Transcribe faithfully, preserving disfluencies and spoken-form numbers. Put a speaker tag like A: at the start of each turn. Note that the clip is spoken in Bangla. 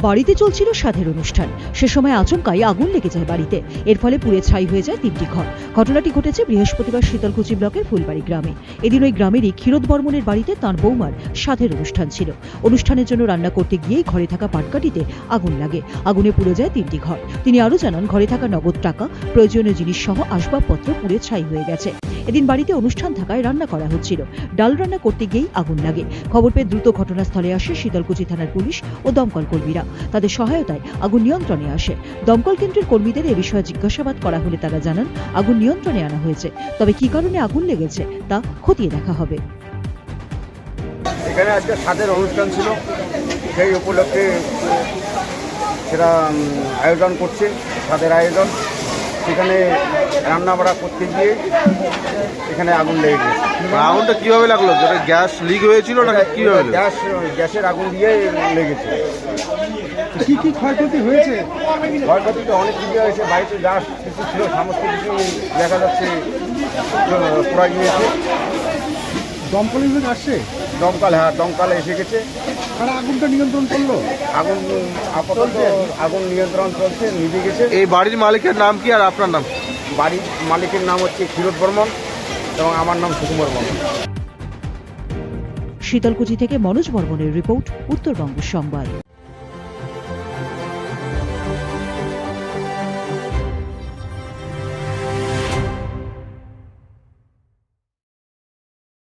A: বাড়িতে চলছিল সাধের অনুষ্ঠান। সে সময় আচমকাই আগুন লেগে যায় বাড়িতে। এর ফলে পুড়ে ছাই হয়ে যায় তিনটি ঘর। ঘটনাটি ঘটেছে বৃহস্পতিবার শীতলকুচি ব্লকের ফুলবাড়ি গ্রামে। এদিন ওই গ্রামেরই ক্ষীরোদ বর্মনের বাড়িতে তাঁর বৌমার সাধের অনুষ্ঠান ছিল। অনুষ্ঠানের জন্য রান্না করতে গিয়েই ঘরে থাকা পাটকাঠিতে আগুন লাগে। আগুনে পুড়ে যায় তিনটি ঘর। তিনি আরও জানান, ঘরে থাকা নগদ টাকা, প্রয়োজনীয় জিনিস সহ আসবাবপত্র পুড়ে ছাই হয়ে গেছে। এদিন বাড়িতে অনুষ্ঠান থাকায় রান্না করা হচ্ছিল। ডাল রান্না করতে গিয়েই আগুন লাগে। খবর পেয়ে দ্রুত ঘটনাস্থলে আসে শীতলকুচি থানার পুলিশ ও দমকল কর্মীরা। তাদের সহায়তায় আগুন নিয়ন্ত্রণে আসে। দমকল কেন্দ্রের কর্মীদের এ বিষয়ে জিজ্ঞাসাবাদ করা হলে তারা জানান, আগুন নিয়ন্ত্রণে আনা হয়েছে। তবে কি কারণে আগুন লেগেছে তা খতিয়ে দেখা হবে।
B: এখানে আজকে সাধের অনুষ্ঠান ছিল, সেই উপলক্ষে সেটা আয়োজন করছে, সাধের আয়োজন। সেখানে রান্না বাড়া করতে গিয়ে এখানে আগুন লেগে গেছে।
C: আগুনটা কিভাবে লাগলো? যেটা গ্যাস লিক হয়েছিল না কিভাবে?
B: গ্যাস গ্যাসের আগুন দিয়ে লেগেছে।
D: কি কি ক্ষয়ক্ষতি হয়েছে?
B: ক্ষয়ক্ষতি তো অনেক কিছু হয়েছে। বাড়িতে যা কিছু ছিল সমস্ত কিছু দেখা যাচ্ছে পুরা গিয়েছে।
D: দমকল বিভাগ আসছে?
B: দমকাল, হ্যাঁ দমকালে এসে গেছে।
D: তারা আগুনটা নিয়ন্ত্রণ করলো?
B: আগুন আপাতত আগুন নিয়ন্ত্রণ চলছে, নিভে গেছে।
C: এই বাড়ির মালিকের নাম কি আর আপনার নাম?
B: বাড়ির মালিকের নাম হচ্ছে ক্ষীরোদ বর্মন এবং আমার নাম সুকুমার বর্মন।
A: শীতলকুচি থেকে মনোজ বর্মনের রিপোর্ট, উত্তরবঙ্গ সংবাদ।